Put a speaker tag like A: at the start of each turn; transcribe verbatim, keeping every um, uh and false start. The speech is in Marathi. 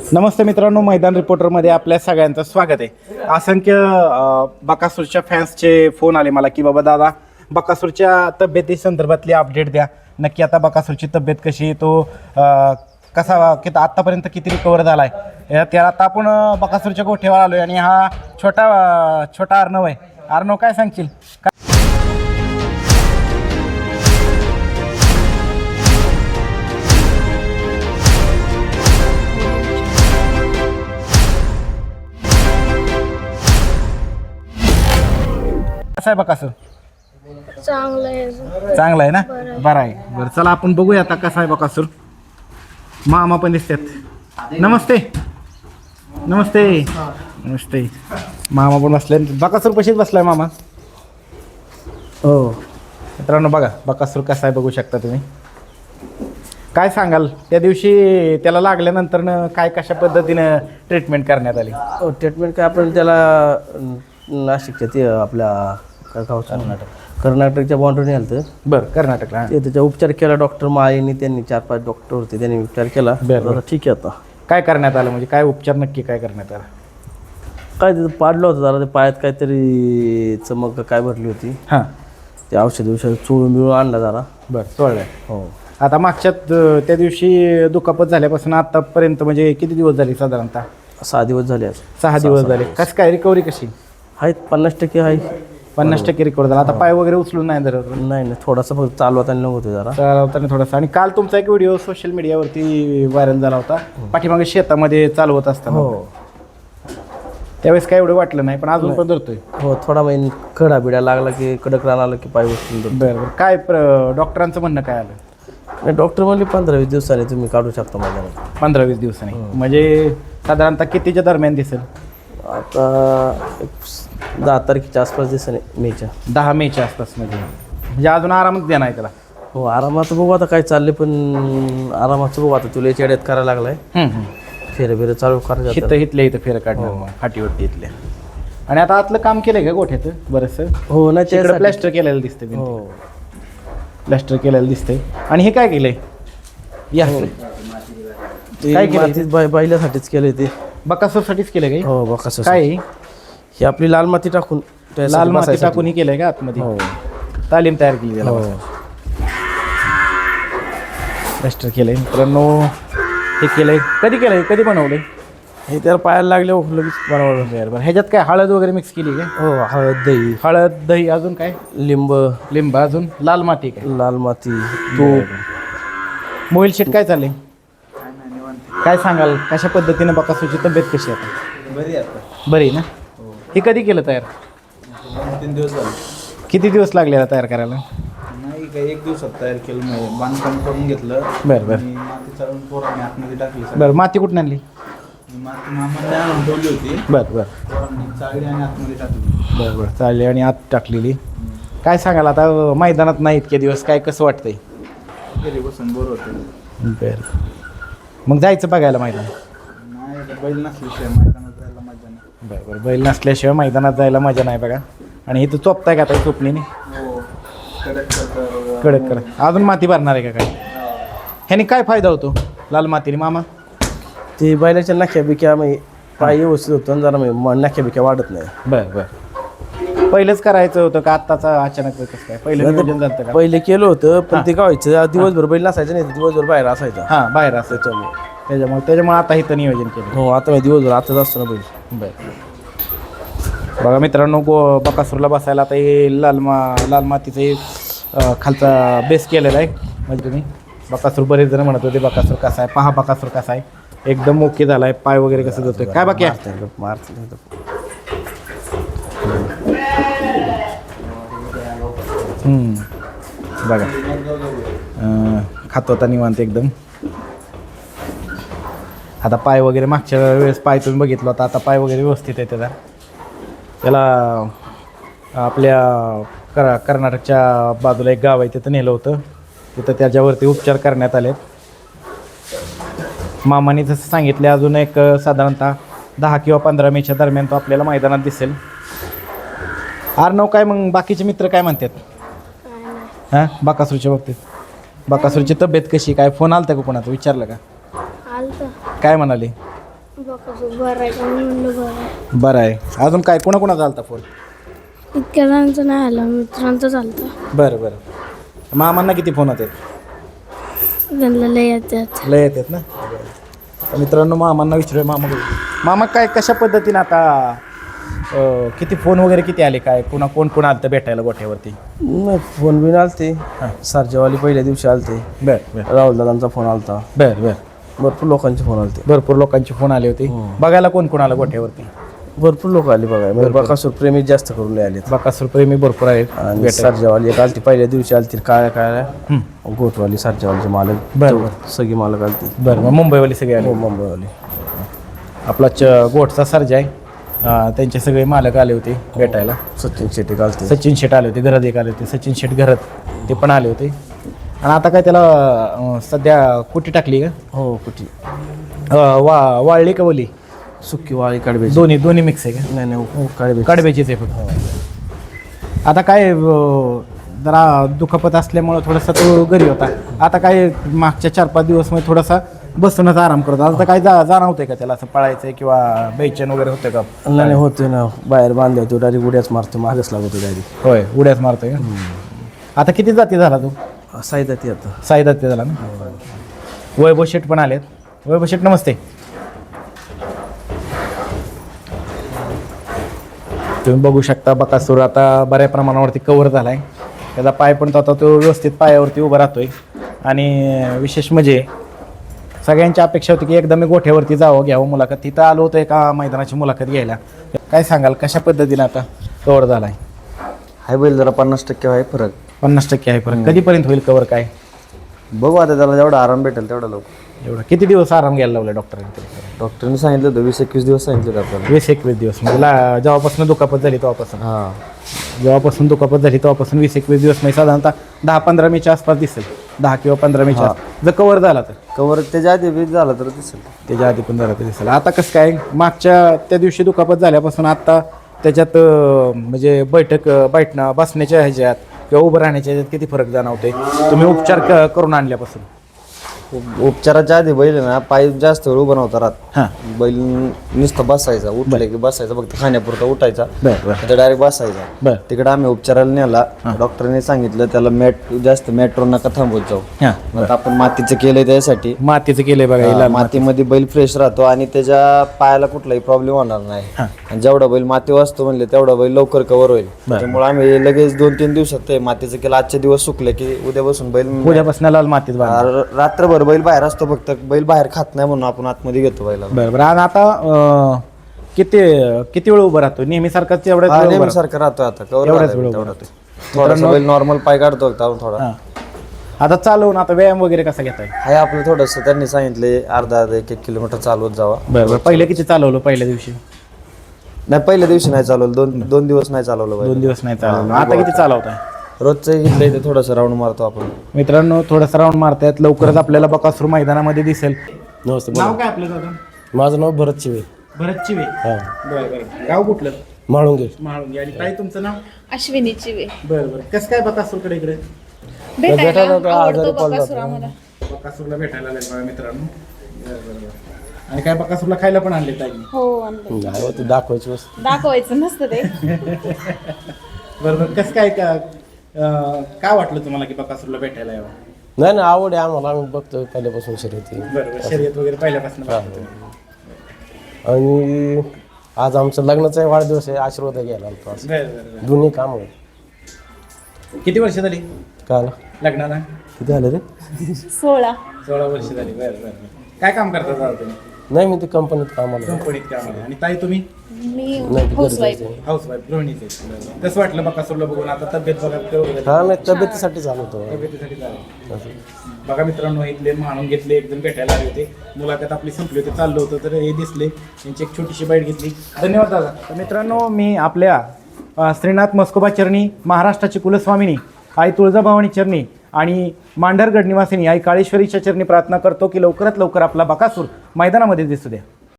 A: नमस्ते मित्रांनो, मैदान रिपोर्टरमध्ये आपल्या सगळ्यांचं स्वागत आहे. असंख्य बकासूरच्या फॅन्सचे फोन आले मला की बाबा दादा बकासूरच्या तब्येती संदर्भातली अपडेट द्या. नक्की आता बकासूरची तब्येत कशी, तो कसा कि आत्तापर्यंत किती रिकवर झाला आहे. त्याला आता आपण बकासूरच्या गोठ्यावर आलो आहे आणि हा छोटा छोटा अर्णव आहे. अर्णव, काय सांगशील? कसं आहे बकासूर?
B: चांगलं आहे.
A: चांगला आहे ना, बरं आहे. बरं चला आपण बघूया आता कसा आहे बकासूर. मामा पण दिसतात. नमस्ते नमस्ते नमस्ते. मामा पण बसले. बकासूर पशीच बसलाय मामा. हो मित्रांनो, बघा बकासूर कसा आहे बघू शकता तुम्ही. काय सांगाल, त्या दिवशी त्याला लागल्यानंतर काय कशा पद्धतीनं ट्रीटमेंट करण्यात आली?
C: हो, ट्रीटमेंट काय आपण त्याला नाशिकच्या ते आपल्या काय गाव कर्नाटक कर्नाटकच्या बाउंड्रीने आलं तर
A: बरं, कर्नाटकला
C: ते त्याचा उपचार केला. डॉक्टर माळीने, त्यांनी चार पाच डॉक्टर होते, त्यांनी उपचार केला.
A: बरं,
C: ठीक आहे. आता
A: काय करण्यात आलं, म्हणजे काय उपचार नक्की काय करण्यात आलं?
C: काय तिथं पाडलं होतं जरा, ते पायात काहीतरी चमक काय भरली होती.
A: हां,
C: ते औषध औषध चोळून मिळून आणला जरा.
A: बरं, सोडलं.
C: हो,
A: आता मागच्या त्या दिवशी दुखापत झाल्यापासून आतापर्यंत म्हणजे किती दिवस झाले साधारणतः?
C: सहा दिवस झाले. आज
A: सहा दिवस झाले. कसं काय रिकव्हरी कशी?
C: आहेत पन्नास टक्के आहे.
A: पन्नास टक्के रिकवर झाला. आता पाय वगैरे उचलून नाही धरत?
C: नाही नाही, थोडासा फक्त चालवताना नव्हतं जरा.
A: चालवताना थोडासा. आणि काल तुमचा एक व्हिडिओ सोशल मीडियावरती व्हायरल झाला होता, पाठीमागे शेतामध्ये चालवत असताना.
C: हो,
A: त्यावेळेस काय एवढं वाटलं नाही, पण अजून पण धरतोय.
C: हो, थोडा महिने खडा बिड्या लागला की कडक रान आलं की पाय उचलून धरतो.
A: बरं बरं. काय प्र डॉक्टरांचं म्हणणं काय आलं?
C: नाही, डॉक्टर म्हणले पंधरा वीस दिवसांनी तुम्ही काढू शकता मैदानात.
A: पंधरा वीस दिवसांनी म्हणजे साधारणतः कितीच्या दरम्यान दिसेल?
C: आता एक दहा तारखेच्या आसपास दिसेल, मेच्या
A: दहा मेच्या आसपास. म्हणजे म्हणजे अजून आरामच देणार आहे त्याला.
C: हो, आरामात बघू आता काय चालले, पण आरामाचं बघू आता. तुला याच्या करायला लागलाय, फेरे बिरे चालू करायचं.
A: हिथं इथल्या इथं फेरं काढणार मग फाटीवरती इथल्या. आणि आता आतलं काम केलंय का गोठ्याचं बरंचसं?
C: हो ना,
A: तिकडे प्लॅस्टर केलेलं दिसतंय.
C: हो,
A: प्लॅस्टर केलेलं दिसतंय. आणि हे काय केलंय? या काय केलंय?
C: मातीत बाय बैलासाठीच केलंय ते.
A: बकासूरसाठीच केलंय काही?
C: हो, बकासूर.
A: काय आहे?
C: ही आपली लाल माती टाकून,
A: लाल माती टाकून ही केलंय का आतमध्ये?
C: हो,
A: तालीम तयार केली त्याला.
C: हो,
A: प्लॅस्टर केलंय मित्रांनो. हे केलंय कधी केलंय, कधी बनवलंय?
C: हे त्याला पायाला लागले लगेच बनवलं.
A: बरं बरं. ह्याच्यात काय हळद वगैरे मिक्स केली काय?
C: हो, हळद, दही,
A: हळद, दही, अजून काय?
C: लिंब,
A: लिंब, अजून लाल माती काय?
C: लाल माती, तूप.
A: मोबाईल शेट काय चाललंय? काय सांगाल, कशा पद्धतीने बकासूरची तब्येत कशी आहे आता?
D: बरी आता.
A: बरी ना? हे कधी केलं तयार?
D: तीन दिवस झाले.
A: किती दिवस लागले तयार करायला?
D: नाही काय, एक दिवसात तयार केलं. नाही, बांधकाम करून घेतलं.
A: बरं बरं
D: आणि माती चालून पोरांनी आतमध्ये टाकली.
A: बरं. माती कुठून आणली?
D: माती मामाने आणून ठेवली होती.
A: बरं बरं
D: पोरांनी चाळली आणि आतमध्ये टाकली.
A: बरं बरं चालली आणि आत टाकलेली. काय सांगाल आता, मैदानात नाही इतके दिवस, काय कसं वाटतंय?
D: घरी बसून बोर होते.
A: बरं. मग जायचं बघायला मैदान?
D: नाही, आता बैल नसल्याशिवाय मैदानात जायला मजा नाही.
A: बरं बरं. बैल नसल्याशिवाय मैदानात जायला मजा नाही बघा. आणि इथं चोपताय का आता चोपणीने?
D: हो, कडक करता.
A: कडक कडक. अजून माती भरणार आहे का काय? ह्याने काय फायदा होतो लाल मातीने मामा?
C: ते बैलाच्या नाख्या बिक्या म्हणजे पाय व्यवस्थित होतो आणि जरा म्हणजे नाख्या बिक्या वाढत नाही.
A: बरं बरं. पहिलंच करायचं होतं का आत्ताचा अचानक कसं काय? पहिलं नियोजन झालं का?
C: पहिले केलं होतं, पण ते काय व्हायचं, दिवसभर बैल नसायचं नाही, दिवसभर बाहेर असायचा.
A: हां, बाहेर असं त्याच्यामुळे त्याच्यामुळे त्याच्यामुळे आता इथं नियोजन केलं.
C: हो, आता मी दिवसभर आताच असतो ना बैल.
A: बरं. बघा मित्रांनो, गो बकासूरला बसायला आता हे लाल मा लाल मातीचं हे खालचा बेस केलेला आहे. म्हणजे तुम्ही बकासूर, बरेच जण म्हणत होते बकासूर कसा आहे, पहा बकासूर कसा आहे. एकदम ओके झाला आहे. पाय वगैरे कसं जातोय काय बाकी आहे?
C: मारत
A: बघा खातो आता निवांत एकदम. आता पाय वगैरे मागच्या वेळेस पाय तुम्ही बघितलं होता, आता पाय वगैरे व्यवस्थित आहे त्याचा. त्याला आपल्या कर कर्नाटकच्या बाजूला एक गाव आहे, तिथं नेलं होतं. तिथं त्याच्यावरती उपचार करण्यात आले. मामाने जसं सांगितलं, अजून एक साधारणतः दहा किंवा पंधरा मेच्या दरम्यान तो आपल्याला मैदानात दिसेल. अर्णव, काय मग बाकीचे मित्र काय म्हणतात हां बकासूरच्या बाबतीत? बकासूरची तब्येत कशी, काय फोन आलता का कोणाचं, विचारलं का?
B: आलतं.
A: काय म्हणाले?
B: बकासूर बरं आहे का म्हणलं बरं आहे.
A: बरं आहे. अजून काय कोणा कोणाचा आलता फोन?
B: इतक्या जणांचं नाही आलं, मित्रांचं चालतं.
A: बरं बरं. मामांना किती फोन होते?
B: त्यांना लय येतात.
A: लय येतात ना. तर मित्रांनो मामांना विचारूया. मामा मामा काय कशा पद्धतीने आता अं, किती फोन वगैरे किती आले काय पुन्हा कोण कोण आलं भेटायला गोठ्यावरती?
C: नाही फोन बिन आलते सरजेवाली पहिल्या दिवशी आलते.
A: बरं बरं
C: राहुल दादांचा फोन आलता.
A: बरं बरं.
C: भरपूर लोकांचे फोन आलते.
A: भरपूर लोकांचे फोन आले होते. बघायला कोण कोण आलं गोठ्यावरती?
C: भरपूर लोक आले बघाय म्हणजे बकासूर प्रेमी जास्त करून आले.
A: बकासूर प्रेमी भरपूर आहेत.
C: आणि सरजेवाली एक आलती पहिल्या दिवशी आलती काय काय गोठवाली सरजेवालीचे मालक.
A: बरं बरं.
C: सगळी मालक आलती.
A: बरं मग मुंबईवाले सगळे आले.
C: हो मुंबईवाली.
A: आपला च गोठचा सर्जा आहे. अं, त्यांचे सगळे मालक आले होते भेटायला.
C: सचिन शेट्टी आलते.
A: सचिन शेट आले होते. घरात एक आले होते सचिन शेट घरात, ते पण आले होते. आणि आता काय त्याला अं, सध्या कुठे टाकली का?
C: हो कुठे
A: अं, वा वाळली का बोली?
C: सुक्की वाळी काढबे.
A: दोन्ही दोन्ही मिक्स आहे का?
C: नाही नाही काढबे.
A: कडब्याचीच आहे फक्त. आता काय अं, जरा दुखापत असल्यामुळं थोडासा तो घरी होता. आता काय मागच्या चार पाच दिवस मध्ये थोडासा बसूनच आराम करतो. आता काय जा जाणवतंय का त्याला असं पळायचं किंवा बेचैन वगैरे होतं का?
C: नाही होते ना बाहेर बांधले होते डायरेक्ट उड्याच मारतो मागच लागतो डायरेक्ट.
A: होय उड्याच मारतोय का? आता किती जाती झाला तू?
C: साईदा ती आता
A: साई जाती झाला ना. वैभव शेट पण आलेत. वैभव शेट नमस्ते. तुम्ही बघू शकता बकासूर आता बऱ्या प्रमाणावरती कव्हर झाला आहे. त्याचा पाय पण तो आता तो व्यवस्थित पायावरती उभा राहतोय. आणि विशेष म्हणजे सगळ्यांची अपेक्षा होती की एकदा मी गोठ्यावरती जावं घ्यावं मुलाखत. तिथं आलो होतं एका मैदानाची मुलाखत घ्यायला. काय सांगाल कशा पद्धतीने आता कव्हर झाला आहे?
E: हाय बैल जरा पन्नास टक्के आहे फरक.
A: पन्नास टक्के आहे फरक. कधीपर्यंत होईल कव्हर काय?
E: बघू आता त्याला जेवढा आराम भेटेल तेवढा लवकर.
A: एवढं किती दिवस आराम घ्यायला लावला डॉक्टरांनी?
E: डॉक्टरने सांगितलं होतं वीस एकवीस दिवस सांगितलं होतं आपल्याला.
A: वीस एकवीस दिवस म्हणजे ला- जेव्हापासून दुखापत झाली तेव्हापासून
E: हां
A: जेव्हापासून दुखापत झाली तेव्हापासून वीस एकवीस दिवस म्हणजे साधारणतः दहा पंधरा मेच्या आसपास दिसेल. दहा किंवा पंधरा मेच्या आसपास जर कव्हर झाला तर.
E: कवर त्याच्या आधी बी झालं तर दिसेल.
A: त्याच्या आधी पण झाला तर दिसेल. आता कसं काय मागच्या त्या दिवशी दुखापत झाल्यापासून आता त्याच्यात अं, म्हणजे बैठक अं, बैठणं बसण्याच्या ह्याच्यात किंवा उभं राहण्याच्या ह्याच्यात किती फरक जाणवते तुम्ही उपचार क- करून आणल्यापासून?
E: उप- उपचाराच्या आधी बैल आहे ना पाय जास्त वेळ उभं नव्हता राहत.
A: हां
E: बैल नुसतं बसायचा उठले की बसायचा फक्त खाण्यापुरता उठायचा
A: बरं बरं
E: डायरेक्ट बसायचा.
A: बरं
E: तिकडे आम्ही उपचाराला नेला. डॉक्टरने सांगितलं त्याला मॅट जास्त मॅट्रो नका थांबवत जाऊ.
A: हां
E: आता आपण मातीचं केलंय त्यासाठी.
A: मातीचं केलंय बघा हिला.
E: मातीमध्ये बैल फ्रेश राहतो आणि त्याच्या पायाला कुठलाही प्रॉब्लेम होणार नाही.
A: हां.
E: आणि जेवढा बैल माती वाचतो म्हणले तेवढा बैल लवकर कव्हर होईल. त्यामुळे आम्ही लगेच दोन तीन दिवसात ते मातीचं केलं. आजचे दिवस सुकले की उद्यापासून बैल
A: उद्यापासून लाल मातीत बांधा.
E: र- रात्रभर बैल बाहेर असतो फक्त बैल बाहेर खात नाही म्हणून आपण आतमध्ये घेतो बैला.
A: बरं बरं. आणि आता अं, किती किती वेळ उभं राहतो नेहमीसारखाच एवढ्याच वेळ उभं राहतो?
E: सारखं राहतो आता कव्हर
A: एवढाच वेळ उभं राहतो.
E: थोडासा बैल नॉर्मल पाय काढतो फक्त आपण थोडा.
A: हां. आता चालवून आता व्यायाम वगैरे कसा घेताय?
E: हाय आपलं थोडंसं त्यांनी सांगितले अर्धा अर्धा एक एक किलोमीटर चालवत जावा.
A: बरं बरं. पहिले किती चालवलं पहिल्या दिवशी?
E: नाही पहिल्या दिवशी नाही चालवलं. दोन दोन दिवस नाही चालवलं बैल.
A: दोन दिवस नाही चालवलं. आता किती चालवताय?
E: रोजचं घेतलं इथे थोडंसं राऊंड मारतो आपण.
A: मित्रांनो थोडंसं राऊंड मारतायत. लवकरच आपल्याला बकासूर मैदानामध्ये दिसेल.
C: नमस्ते
A: नाव काय आपलं दादा?
C: माझं नाव भरत चिवे.
A: भरत चिवे.
C: हां
A: बरं बरं. गाव कुठलं?
C: म्हाळुंगे.
A: महाळुंगी. आणि ताई तुमचं नाव?
F: अश्विनी चिवे.
A: बरं बरं. कसं काय बकासूरकडे इकडे?
F: भेटायला आवडतो बकासूर आम्हाला.
A: बकासूरला भेटायला आले बघा मित्रांनो. बरं बरं बरं. आणि काय बकासूरला खायला पण आणले ताई?
F: हो आणलं.
C: नाही हो, ते दाखवायची वस्तू.
F: दाखवायचं नसतं ते.
A: बरं बरं. कसं काय का अं, काय वाटलं तुम्हाला की बकासूरला भेटायला यावं?
C: नाही नाही आवड आहे आम्हाला. आम्ही बघतो पहिल्यापासून शर्यती.
A: बरं बरं. शर्यत वगैरे पहिल्यापासून बघता तुम्ही.
C: आणि आज आमचं लग्नाचा वाढदिवस आहे. आशीर्वाद घ्यायला आलतो आज.
A: बरं बरं बरं.
C: दोन्ही काम होईल.
A: किती वर्ष झाली
C: काय
A: लग्नाला?
C: किती आले रे?
F: सोळा.
A: सोळा वर्ष झाली. बरं बरं बरं. काय काम करता दादा तुम्ही?
C: नाही मी ते कंपनीत कामाला.
A: कंपनीत काम आहे. आणि ताई तुम्ही?
F: मी
C: नाही
F: हाऊस वाईफ.
A: हाऊस वाईफ गृहिणीच आहे. कसं वाटलं बकासूरला बघून? आता तब्येत बघा केवढं
C: हा नाही तब्येतीसाठी चालवतो.
A: तब्येतीसाठी झालं. बघा मित्रांनो इथले माणून घेतले एकदम भेटायला आले होते. मुलाखत आपली संपली होती चाललं होतं तर हे दिसले. त्यांची एक छोटीशी बाईट घेतली. धन्यवाद दादा. तर मित्रांनो मी आपल्या अ, श्रीनाथ मस्कोबा चरणी महाराष्ट्राची कुलस्वामिनी आई तुळजाभवानी चरणी आणि मांढरगड निवासिनी आई काळेश्वरीच्या चरणी प्रार्थना करतो की लवकरात लवकर आपला बकासूर मैदानामध्ये दिसू द्या.